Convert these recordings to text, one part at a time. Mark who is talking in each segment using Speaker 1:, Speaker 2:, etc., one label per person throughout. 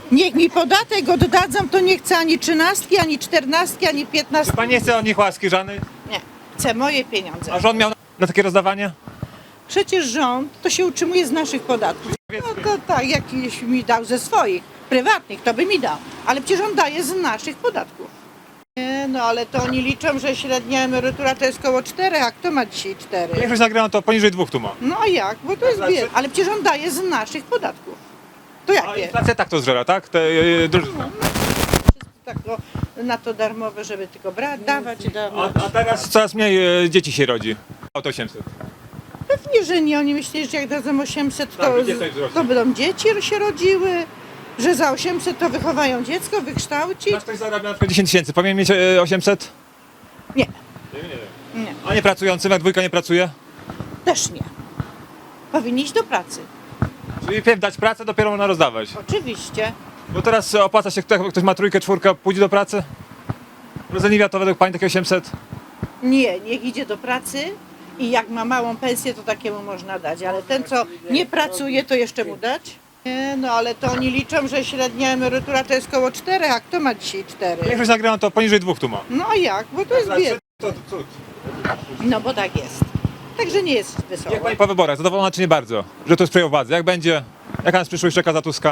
Speaker 1: Niech mi podatek oddadzą, to nie chcę ani 13, ani 14, ani 15.
Speaker 2: Pani nie chce od nich łaski żadnej?
Speaker 1: Nie, chcę moje pieniądze.
Speaker 2: A rząd miał na takie rozdawanie?
Speaker 1: Przecież rząd to się utrzymuje z naszych podatków. No to tak, jakiś mi dał ze swoich, prywatnych, to by mi dał. Ale przecież on daje z naszych podatków. Nie, no ale to oni liczą, że średnia emerytura to jest koło 4, a kto ma dzisiaj 4?
Speaker 2: Większość nagrano to poniżej 2 tu ma.
Speaker 1: No a jak? Bo to jest
Speaker 2: Znaczy-
Speaker 1: bied. Ale przecież on daje z naszych podatków. To
Speaker 2: A
Speaker 1: jakie?
Speaker 2: inflacja tak to zżera, tak? Drożyzna.
Speaker 1: Tak na to darmowe, żeby tylko brać, dawać.
Speaker 2: A teraz coraz mniej dzieci się rodzi. Auto 800.
Speaker 1: Pewnie, że nie. Oni myśleli, że jak dadzą 800,
Speaker 2: Tak,
Speaker 1: to,
Speaker 2: gdzie coś wzrośnie?
Speaker 1: to będą dzieci się rodziły, że za 800 to wychowają dziecko, wykształci.
Speaker 2: Nasz ktoś zarabia na przykład 10 tysięcy. Powinien mieć 800?
Speaker 1: Nie,
Speaker 2: Nie.
Speaker 1: nie,
Speaker 2: A nie pracujący, jak dwójka nie pracuje?
Speaker 1: też nie. Powinni iść do pracy.
Speaker 2: Czyli pierw dać pracę, dopiero można rozdawać.
Speaker 1: Oczywiście.
Speaker 2: Bo teraz opłaca się, jak ktoś ma trójkę, czwórkę, pójdzie do pracy? Rozeniwia to według pani takie 800?
Speaker 1: Nie, niech idzie do pracy i jak ma małą pensję, to takiemu można dać. Ale ten, co nie pracuje, to jeszcze mu dać? Nie, no ale to oni liczą, że średnia emerytura to jest koło 4, a kto ma dzisiaj 4?
Speaker 2: Większość nagrano to poniżej 2 tu ma.
Speaker 1: No a jak? Bo to jest bied.
Speaker 2: To cud.
Speaker 1: No bo tak jest. Także nie jest wesoło.
Speaker 2: Jak pani po wyborach, zadowolona czy nie bardzo? Że to jest przejął władzę. Jak będzie? Jaka nas przyszłość czeka za Tuska?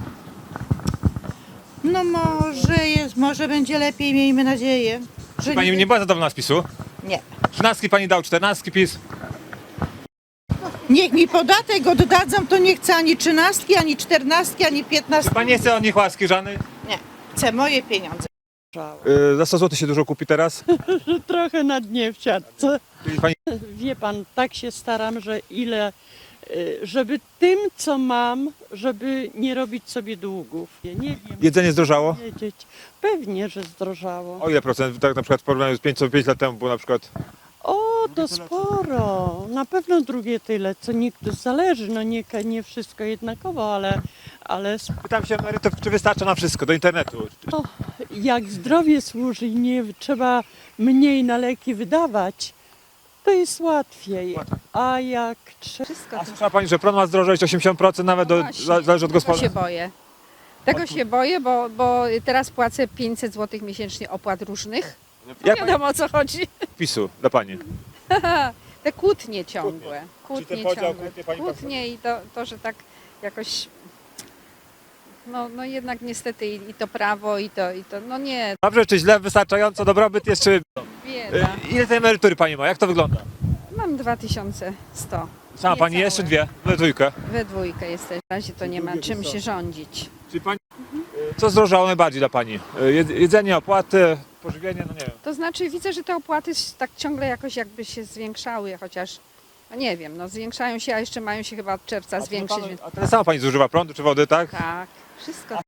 Speaker 1: No może będzie lepiej, miejmy nadzieję. Że
Speaker 2: Pani nie była zadowolona z PiSu?
Speaker 1: Nie.
Speaker 2: 13 pani dał, 14 PiS.
Speaker 1: Niech mi podatek oddadzą, to nie chcę ani 13, ani 14, ani 15.
Speaker 2: Pani nie chce od nich łaski żadnej?
Speaker 1: Nie, chcę moje pieniądze.
Speaker 2: Za 100 zł się dużo kupi teraz?
Speaker 3: Trochę na dnie w siatce.
Speaker 2: Czyli pani
Speaker 3: Wie pan, tak się staram, żeby tym, co mam, żeby nie robić sobie długów. Nie wiem
Speaker 2: jedzenie zdrożało?
Speaker 3: powiedzieć. Pewnie, że zdrożało.
Speaker 2: O ile procent? Tak na przykład w porównaniu z 5 lat temu było na przykład.
Speaker 3: O, to sporo. Na pewno drugie tyle, co niektórzy zależy. No nie wszystko jednakowo, ale
Speaker 2: Pytam się emerytów, czy wystarcza na wszystko, do internetu.
Speaker 3: jak zdrowie służy i nie trzeba mniej na leki wydawać, to jest łatwiej. A jak trzeba...
Speaker 2: A słyszała pani, że prąd ma zdrożeć 80% nawet,
Speaker 4: No właśnie,
Speaker 2: zależy od
Speaker 4: Tego się
Speaker 2: gospodarstwa?
Speaker 4: boję. Tego się boję, bo teraz płacę 500 zł miesięcznie opłat różnych.
Speaker 2: Jak pani
Speaker 4: Wiadomo o co chodzi.
Speaker 2: PiSu dla pani?
Speaker 4: Te kłótnie ciągłe.
Speaker 2: Czyli ten podział, kłótnie pani
Speaker 4: Kłótnie i to, że tak jakoś... No jednak niestety i to prawo i to, no nie,
Speaker 2: Dobrze czy źle, wystarczająco, dobrobyt jest czy...
Speaker 4: bieda.
Speaker 2: Ile tej emerytury pani ma? Jak to wygląda?
Speaker 4: Mam 2100.
Speaker 2: Sama pani
Speaker 4: Niecałe.
Speaker 2: jest czy dwie? We dwójkę.
Speaker 4: We dwójkę jesteś. W razie to nie ma czym się rządzić.
Speaker 2: Czyli pani... Co zdrożało najbardziej dla pani? Jedzenie, opłaty, pożywienie, no nie wiem.
Speaker 4: To znaczy widzę, że te opłaty tak ciągle jakoś jakby się zwiększały, chociaż no nie wiem, no zwiększają się, a jeszcze mają się chyba od czerwca zwiększyć.
Speaker 2: A tyle sama pani zużywa prądu czy wody, tak?
Speaker 4: Tak, wszystko.